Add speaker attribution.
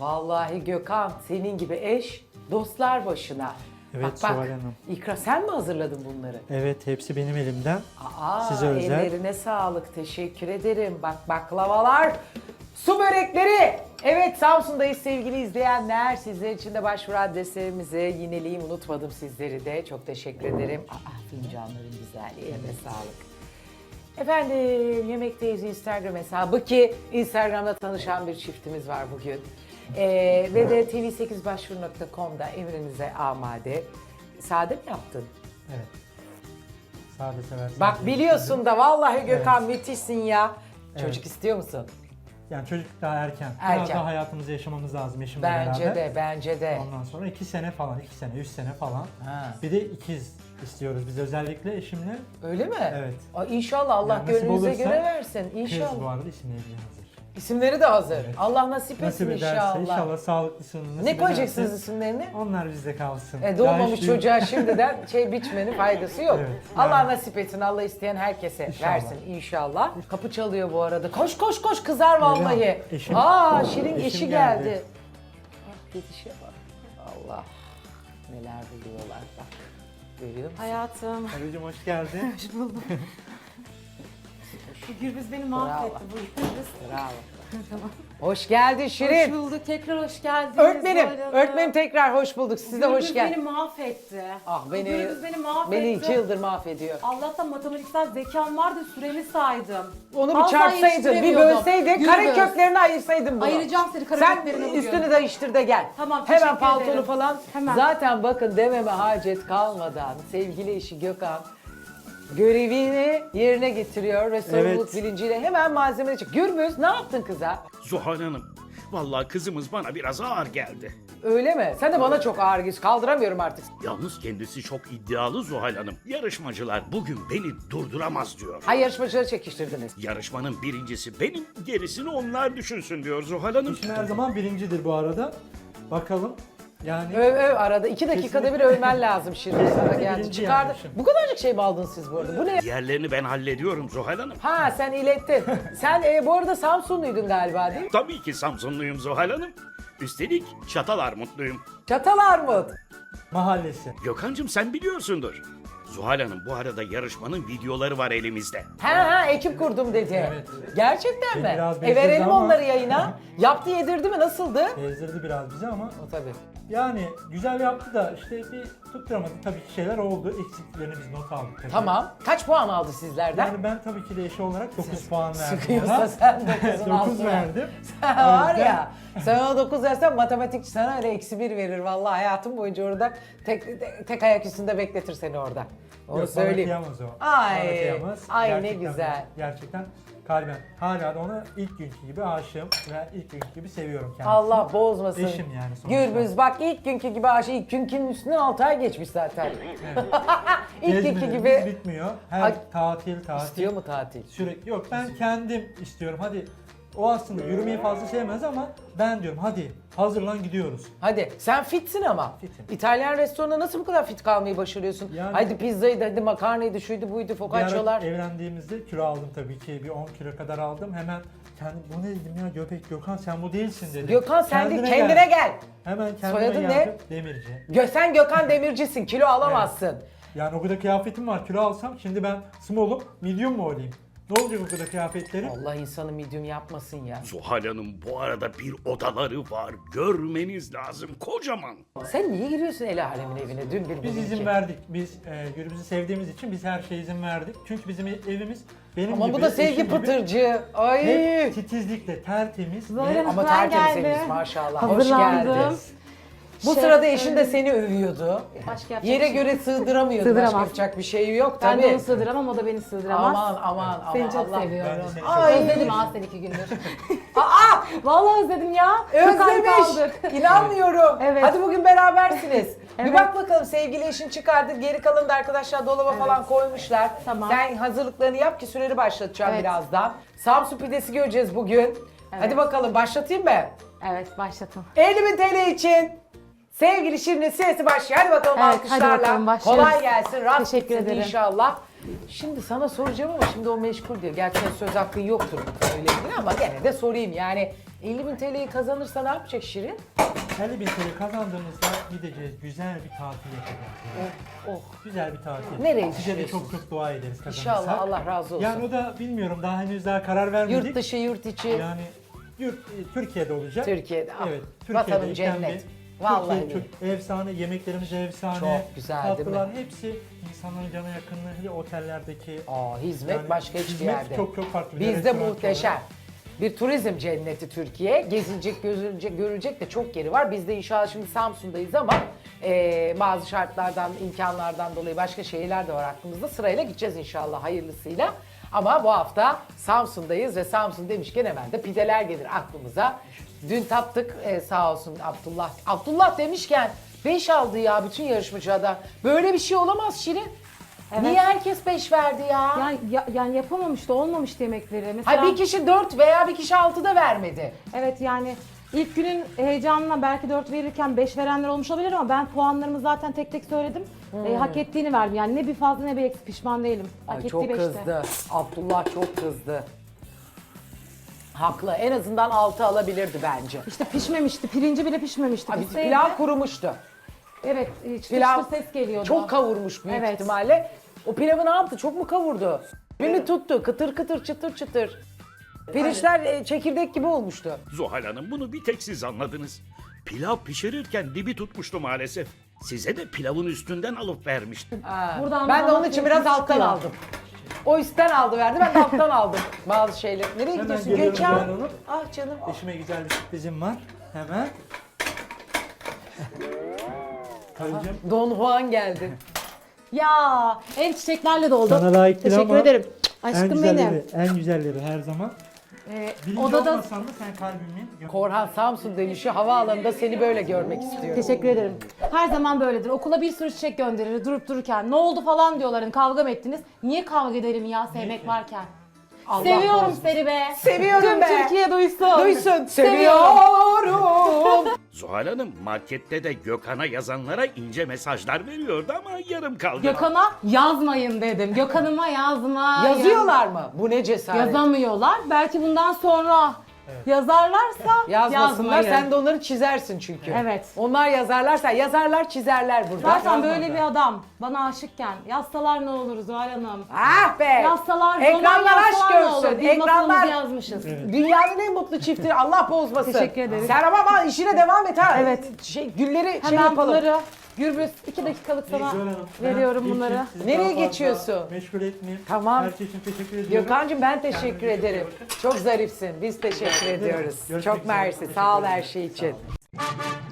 Speaker 1: Vallahi Gökhan senin gibi eş dostlar başına.
Speaker 2: Evet,
Speaker 1: bak,
Speaker 2: Zuhal Hanım.
Speaker 1: İkra sen mi hazırladın bunları?
Speaker 2: Evet, hepsi benim elimden.
Speaker 1: Aa,
Speaker 2: Size özel.
Speaker 1: ellerine sağlık. Teşekkür ederim. Bak baklavalar, su börekleri. Evet Samsun'dayız sevgili izleyenler. Sizler için de başvuru adreslerimizi yineleyeyim, unutmadım sizleri de. Çok teşekkür ederim. Fincanların güzelliği, eline sağlık. Efendim Yemekteyiz Instagram hesabı ki Instagram'da tanışan bir çiftimiz var bugün. Ve de tv8başvuru.com'da emrinize amade. Sade mi yaptın?
Speaker 2: Evet. Sade seversiniz.
Speaker 1: Bak biliyorsun da vallahi Gökhan müthişsin ya. Çocuk istiyor musun?
Speaker 2: Yani çocuk daha erken. Biraz
Speaker 1: Erken.
Speaker 2: daha hayatımızı yaşamamız lazım eşimle
Speaker 1: Bence
Speaker 2: beraber.
Speaker 1: de, bence de.
Speaker 2: Ondan sonra 2 sene falan, 2 sene, 3 sene falan.
Speaker 1: Ha.
Speaker 2: Bir de ikiz istiyoruz biz özellikle eşimle.
Speaker 1: Öyle mi?
Speaker 2: Evet.
Speaker 1: Ay inşallah Allah
Speaker 2: Yani nasip
Speaker 1: gönlünüze
Speaker 2: olursa
Speaker 1: göre versin.
Speaker 2: Kız bu
Speaker 1: İnşallah.
Speaker 2: arada isimleri hazır.
Speaker 1: İsimleri de hazır.
Speaker 2: Evet.
Speaker 1: Allah nasip etsin
Speaker 2: Nasip ederse
Speaker 1: inşallah.
Speaker 2: inşallah sağlıklısını nasip
Speaker 1: Ne koyacaksınız
Speaker 2: ederse
Speaker 1: isimlerini?
Speaker 2: onlar bizde kalsın.
Speaker 1: Doğmamış
Speaker 2: Daha hiç
Speaker 1: çocuğa şimdiden biçmenin faydası yok.
Speaker 2: Evet,
Speaker 1: Allah
Speaker 2: yani.
Speaker 1: nasip etsin, Allah isteyen herkese
Speaker 2: İnşallah.
Speaker 1: versin inşallah. Kapı çalıyor bu arada. Koş koş koş kızar vallahi.
Speaker 2: Eşim-
Speaker 1: Şirin
Speaker 2: eşim
Speaker 1: eşi
Speaker 2: geldi.
Speaker 1: geldi. Ah gidişe bak. Allah. Neler biliyorlar bak. Görüyor musun?
Speaker 3: Hayatım.
Speaker 2: Karıcığım hoş geldin.
Speaker 3: Hoş buldum. Bu Gürbüz beni mahvetti bu Gürbüz.
Speaker 1: Bravo. Hoş geldin
Speaker 3: Hoş
Speaker 1: Şirin.
Speaker 3: bulduk. Tekrar hoş geldiniz.
Speaker 1: Öğretmenim,
Speaker 3: Zuhal Hanım.
Speaker 1: öğretmenim tekrar hoş bulduk. Siz de hoş
Speaker 3: Gürbüz beni
Speaker 1: geldiniz.
Speaker 3: mahvetti.
Speaker 1: Ah beni,
Speaker 3: Gürbüz beni mahvetti.
Speaker 1: beni 2 yıldır mahvediyor.
Speaker 3: Allah'tan matematiksel zekam vardı, süremi saydım.
Speaker 1: Onu bir
Speaker 3: Asla
Speaker 1: çarpsaydın, bir
Speaker 3: yetiştiremiyordum.
Speaker 1: bölseydin, kare
Speaker 3: Gürbüz.
Speaker 1: köklerini ayırsaydın bunu.
Speaker 3: Ayıracağım seni kare
Speaker 1: Sen
Speaker 3: köklerini bugün.
Speaker 1: üstünü değiştir de gel.
Speaker 3: Tamam,
Speaker 1: Hemen
Speaker 3: teşekkür
Speaker 1: paltonu
Speaker 3: ederim.
Speaker 1: falan.
Speaker 3: Hemen.
Speaker 1: Zaten bakın dememe hacet kalmadan sevgili eşi Gökhan görevini yerine getiriyor ve sorumluluk
Speaker 2: Evet.
Speaker 1: bilinciyle hemen malzemeye çık. Gürbüz ne yaptın kıza?
Speaker 4: Zuhal Hanım, vallahi kızımız bana biraz ağır geldi.
Speaker 1: Öyle mi? Sen de bana çok ağır geliyorsun. Kaldıramıyorum artık.
Speaker 4: Yalnız kendisi çok iddialı Zuhal Hanım. Yarışmacılar bugün beni durduramaz diyor.
Speaker 1: Hay yarışmacıları çekiştirdiniz.
Speaker 4: Yarışmanın birincisi benim, gerisini onlar düşünsün diyor Zuhal Hanım.
Speaker 2: Eşim her zaman birincidir bu arada. Bakalım. Yani
Speaker 1: Öv arada. 2 dakikada bir övmen lazım şimdi sana geldi.
Speaker 2: Birinci
Speaker 1: Çıkardı.
Speaker 2: yapmışım.
Speaker 1: Bu kadarcık şey mi aldınız siz bu arada? Bu ne?
Speaker 4: Diğerlerini ben hallediyorum Zuhal Hanım.
Speaker 1: Ha sen ilettin. Sen bu arada Samsunluydun galiba değil mi?
Speaker 4: Tabii ki Samsunluyum Zuhal Hanım. Üstelik Çatalarmutluyum.
Speaker 1: Çatalarmut.
Speaker 2: mahallesi.
Speaker 4: Gökhan'cığım sen biliyorsundur. Zuhal Hanım bu arada yarışmanın videoları var elimizde.
Speaker 1: Ha ekip kurdum dedi.
Speaker 2: Evet.
Speaker 1: Gerçekten mi?
Speaker 2: Biraz bezdirdi
Speaker 1: Verelim
Speaker 2: ama-
Speaker 1: onları yayına. Yaptı yedirdi mi? Nasıldı?
Speaker 2: Gezdirdi biraz bizi ama
Speaker 1: O tabii.
Speaker 2: yani güzel yaptı da işte bir tutturamadı. Tabii ki şeyler oldu. Eksikliklerini biz not aldık. tabii.
Speaker 1: Tamam. Kaç puan aldı sizlerden?
Speaker 2: Yani ben tabii ki de eşi olarak 9 puan verdim
Speaker 1: Sıkıyorsa
Speaker 2: ona.
Speaker 1: sen 9'un
Speaker 2: 9
Speaker 1: altına.
Speaker 2: verdim.
Speaker 1: Sen var ya, sen ona 9 versen matematikçi sana öyle -1 verir vallahi hayatın boyunca orada tek ayak üstünde bekletir seni orada. Onu
Speaker 2: Yok, bana
Speaker 1: söyleyeyim.
Speaker 2: kıyamaz o.
Speaker 1: Ay,
Speaker 2: Bana kıyamaz.
Speaker 1: ay ne
Speaker 2: Gerçekten-
Speaker 1: güzel.
Speaker 2: Gerçekten kalben. Hala da ona ilk günkü gibi aşığım ve ilk günkü gibi seviyorum kendisini.
Speaker 1: Allah bozmasın.
Speaker 2: Eşim yani sonuçta.
Speaker 1: Gürbüz bak ilk günkü gibi aşık. İlk günkünün üstünden 6 ay geçmiş zaten. İlk günkü
Speaker 2: Gezmelerimiz
Speaker 1: gibi.
Speaker 2: bitmiyor. Her
Speaker 1: Ay,
Speaker 2: tatil.
Speaker 1: İstiyor mu tatil?
Speaker 2: Sürekli yok ben kendim istiyorum. Hadi o aslında yürümeyi fazla sevmez ama ben diyorum hadi hazırlan gidiyoruz.
Speaker 1: Hadi sen fitsin ama.
Speaker 2: Fitim.
Speaker 1: İtalyan restoranında nasıl bu kadar fit kalmayı başarıyorsun?
Speaker 2: Yani-
Speaker 1: Hadi pizzaydı, hadi makarnaydı, şuydu buydu,
Speaker 2: Bir ara
Speaker 1: focaccialar.
Speaker 2: evlendiğimizde kilo aldım tabii ki bir 10 kilo kadar aldım. Hemen bu ne dedim ya Göbek Gökhan sen bu değilsin dedim.
Speaker 1: Gökhan sen de kendine gel.
Speaker 2: Hemen kendime
Speaker 1: Soyadın ne?
Speaker 2: geldim. Demirci.
Speaker 1: Sen Gökhan Demircisin, kilo alamazsın.
Speaker 2: Yani o kadar kıyafetim var kilo alsam şimdi ben small'um medium mu olayım? Ne olacak o kadar kıyafetlerim?
Speaker 1: Allah insanı medium yapmasın ya.
Speaker 4: Zuhal Hanım bu arada bir odaları var. Görmeniz lazım kocaman.
Speaker 1: Sen niye giriyorsun el alemin evine? Dün bir
Speaker 2: Biz
Speaker 1: bugün
Speaker 2: izin
Speaker 1: iki.
Speaker 2: verdik. Biz Gürbüz'ü sevdiğimiz için biz her şeye izin verdik. Çünkü bizim evimiz benim
Speaker 1: Ama
Speaker 2: gibi,
Speaker 1: bu da sevgi
Speaker 2: eşim gibi
Speaker 1: pıtırcı. Ay.
Speaker 2: hep titizlikle, tertemiz.
Speaker 3: Böyle
Speaker 2: ve
Speaker 3: mi?
Speaker 1: Ama
Speaker 3: Ben
Speaker 1: tertemiz
Speaker 3: geldim.
Speaker 1: evimiz maşallah. Hoş
Speaker 3: Hazırlandım.
Speaker 1: geldin. Bu
Speaker 3: Şef,
Speaker 1: sırada eşin de seni övüyordu.
Speaker 3: Başka yapacak
Speaker 1: Yere
Speaker 3: bir şey
Speaker 1: göre sığdıramıyordu. Başka
Speaker 3: Sığdıramaz.
Speaker 1: yapacak bir şey yok
Speaker 3: Ben de
Speaker 1: tabii.
Speaker 3: onu sığdıramam, o da beni sığdıramaz.
Speaker 1: Aman
Speaker 3: Seni çok
Speaker 1: Allah.
Speaker 3: seviyorum.
Speaker 2: Ben de seni
Speaker 1: Ay.
Speaker 3: Özledim ha seni 2 gündür.
Speaker 1: Aa!
Speaker 3: Vallahi özledim ya. Çok ay kaldık.
Speaker 1: Özlemiş. İnanmıyorum.
Speaker 3: Evet.
Speaker 1: Hadi bugün berabersiniz. Bir
Speaker 3: Evet.
Speaker 1: bak bakalım sevgili eşin çıkardı. Geri kalanı da arkadaşlar dolaba falan koymuşlar.
Speaker 3: Tamam.
Speaker 1: Sen hazırlıklarını yap ki süreni başlatacağım
Speaker 3: Evet.
Speaker 1: birazdan. Samsun pidesi göreceğiz bugün. Hadi bakalım başlatayım mı?
Speaker 3: Evet başlatın.
Speaker 1: 50.000 TL için sevgili Şirin'in sesi başlıyor. Hadi bakalım
Speaker 3: Evet,
Speaker 1: alkışlarla.
Speaker 3: hadi bakalım, başlıyoruz.
Speaker 1: Kolay gelsin. Rast
Speaker 3: Teşekkür
Speaker 1: gitsin
Speaker 3: ederim.
Speaker 1: inşallah. Şimdi sana soracağım ama şimdi o meşgul diyor. Gerçi senin söz hakkın yoktur öyle ilgili ama gene de sorayım yani. 50.000 TL'yi kazanırsa ne yapacak Şirin?
Speaker 2: 50.000 TL kazandığımızda gideceğiz. Güzel bir tatil yapacağız.
Speaker 1: Oh.
Speaker 2: Güzel bir tatil.
Speaker 1: Nereye
Speaker 2: Size de
Speaker 1: düşünüyorsunuz?
Speaker 2: çok dua ederiz kazanırsak.
Speaker 1: İnşallah Allah razı olsun.
Speaker 2: Yani o da bilmiyorum daha henüz daha karar vermedik.
Speaker 1: Yurt dışı, yurt içi.
Speaker 2: Yani Türkiye'de olacak.
Speaker 1: Türkiye'de. Ah,
Speaker 2: Evet.
Speaker 1: vatanım
Speaker 2: Türkiye'deyken
Speaker 1: cennet.
Speaker 2: bir-
Speaker 1: Vallahi
Speaker 2: Türkiye çok efsane, yemeklerimiz efsane.
Speaker 1: Çok güzel, değil mi?
Speaker 2: tatlılar hepsi insanların cana yakınlığı, hele otellerdeki.
Speaker 1: Hizmet
Speaker 2: yani
Speaker 1: başka hiçbir
Speaker 2: hizmet
Speaker 1: yerde.
Speaker 2: çok farklı.
Speaker 1: Bizde
Speaker 2: Restoran
Speaker 1: muhteşem.
Speaker 2: olarak.
Speaker 1: Bir turizm cenneti Türkiye. Gezilecek, görülecek de çok yeri var. Biz de inşallah şimdi Samsun'dayız ama bazı şartlardan, imkanlardan dolayı başka şehirler de var aklımızda. Sırayla gideceğiz inşallah hayırlısıyla. Ama bu hafta Samsun'dayız ve Samsun demişken hemen de pideler gelir aklımıza. Dün tattık sağ olsun Abdullah. Abdullah demişken 5 aldı ya bütün yarışmacılardan. Böyle bir şey olamaz Şirin.
Speaker 3: Evet.
Speaker 1: Niye herkes 5 verdi ya?
Speaker 3: Yani yapamamıştı, olmamıştı yemekleri. Mesela,
Speaker 1: Hayır bir kişi 4 veya bir kişi 6 da vermedi.
Speaker 3: evet yani ilk günün heyecanına belki 4 verirken 5 verenler olmuş olabilir ama ben puanlarımı zaten tek tek söyledim. Hak ettiğini verdim. Yani ne bir fazla ne bir eksik, pişman değilim. Hak
Speaker 1: Ay
Speaker 3: ettiği
Speaker 1: çok
Speaker 3: 5'te.
Speaker 1: kızdı. Abdullah çok kızdı. Haklı. En azından 6 alabilirdi bence.
Speaker 3: İşte pişmemişti, pirinci bile pişmemişti.
Speaker 1: Abi
Speaker 3: Pişseydi-
Speaker 1: pilav kurumuştu.
Speaker 3: Evet, çıtır
Speaker 1: Pilav
Speaker 3: çıtır ses geliyordu.
Speaker 1: çok kavurmuş büyük
Speaker 3: Evet.
Speaker 1: ihtimalle. O pilavı ne yaptı? Çok mu kavurdu? Birini tuttu. Kıtır kıtır çıtır çıtır. Pirinçler çekirdek gibi olmuştu.
Speaker 4: Zuhal Hanım bunu bir tek siz anladınız. Pilav pişirirken dibi tutmuştu maalesef. Size de pilavın üstünden alıp vermiştim.
Speaker 3: Buradan
Speaker 1: Ben de
Speaker 3: bana
Speaker 1: onun için biraz
Speaker 3: sesimiz
Speaker 1: alttan
Speaker 3: çıkıyor.
Speaker 1: aldım. O üstten aldı verdi, ben de alttan aldım bazı şeyler. Nereye
Speaker 2: Hemen
Speaker 1: gidiyorsun
Speaker 2: geliyorum
Speaker 1: Gökhan?
Speaker 2: Zuhal Hanım.
Speaker 1: Ah canım.
Speaker 2: Eşime güzel bir sürprizim var. Hemen. Karıcığım.
Speaker 1: Don Juan geldi.
Speaker 3: Ya el çiçeklerle doldu.
Speaker 2: Sana layık değil
Speaker 3: Teşekkür
Speaker 2: ama
Speaker 3: ederim.
Speaker 2: En
Speaker 3: Aşkım
Speaker 2: güzelleri,
Speaker 3: benim.
Speaker 2: en güzelleri her zaman. Birinci
Speaker 3: Odada
Speaker 2: olmasan da sen kalbimin.
Speaker 1: Korhan Samsun dönüşü havaalanında seni böyle görmek istiyorum.
Speaker 3: teşekkür ederim. Her zaman böyledir. Okula bir sürü çiçek gönderir durup dururken. Ne oldu falan diyorlar. Hani kavga mı ettiniz? Niye kavga edelim ya sevmek varken?
Speaker 1: Allah
Speaker 3: Seviyorum
Speaker 1: korusun.
Speaker 3: seni be.
Speaker 1: Seviyorum
Speaker 3: Tüm
Speaker 1: be.
Speaker 3: Türkiye duysun.
Speaker 1: Duysun.
Speaker 3: Seviyorum.
Speaker 1: Seviyorum.
Speaker 4: Zuhal Hanım markette de Gökhan'a yazanlara ince mesajlar veriyordu ama yarım kaldı.
Speaker 3: Gökhan'a yazmayın dedim. Gökhan'ıma yazmayın.
Speaker 1: Yazıyorlar mı? Bu ne cesaret?
Speaker 3: Yazamıyorlar. Belki bundan sonra yazarlarsa
Speaker 1: Yazmasınlar.
Speaker 3: yazmayın.
Speaker 1: Sen de onları çizersin çünkü.
Speaker 3: Evet.
Speaker 1: Onlar yazarlarsa yazarlar çizerler burada.
Speaker 3: Zaten böyle bir adam bana aşıkken yazsalar ne olur Zuhal Hanım?
Speaker 1: Ah be.
Speaker 3: Yazsalar,
Speaker 1: Ekranlar
Speaker 3: roman
Speaker 1: aşk
Speaker 3: yazsalar ne olur?
Speaker 1: görsün.
Speaker 3: Biz masalımızı
Speaker 1: Ekranlar
Speaker 3: yazmışız.
Speaker 1: dünyanın en mutlu çiftleri. Allah bozmasın.
Speaker 3: Teşekkür ederim.
Speaker 1: Sen ama işine devam et ha.
Speaker 3: Evet.
Speaker 1: Gülleri şey
Speaker 3: Hemen
Speaker 1: yapalım.
Speaker 3: bunları Gürbüz 2 dakikalık sana
Speaker 2: Zuhal Hanım, ben
Speaker 3: veriyorum
Speaker 2: ilk
Speaker 3: bunları.
Speaker 2: sizi
Speaker 1: Nereye
Speaker 2: daha fazla
Speaker 1: geçiyorsun?
Speaker 2: Meşgul etmeyeyim.
Speaker 1: Tamam.
Speaker 2: Her şey için teşekkür ediyorum.
Speaker 1: Gökhan'cığım ben teşekkür
Speaker 2: Kendinize iyi
Speaker 1: ederim.
Speaker 2: bakın.
Speaker 1: Çok zarifsin. Biz teşekkür ediyoruz.
Speaker 2: Görüşmek
Speaker 1: Çok
Speaker 2: üzere.
Speaker 1: mersi.
Speaker 2: Teşekkür
Speaker 1: Sağ ol
Speaker 2: ederim.
Speaker 1: her şey için.
Speaker 2: Sağ olun.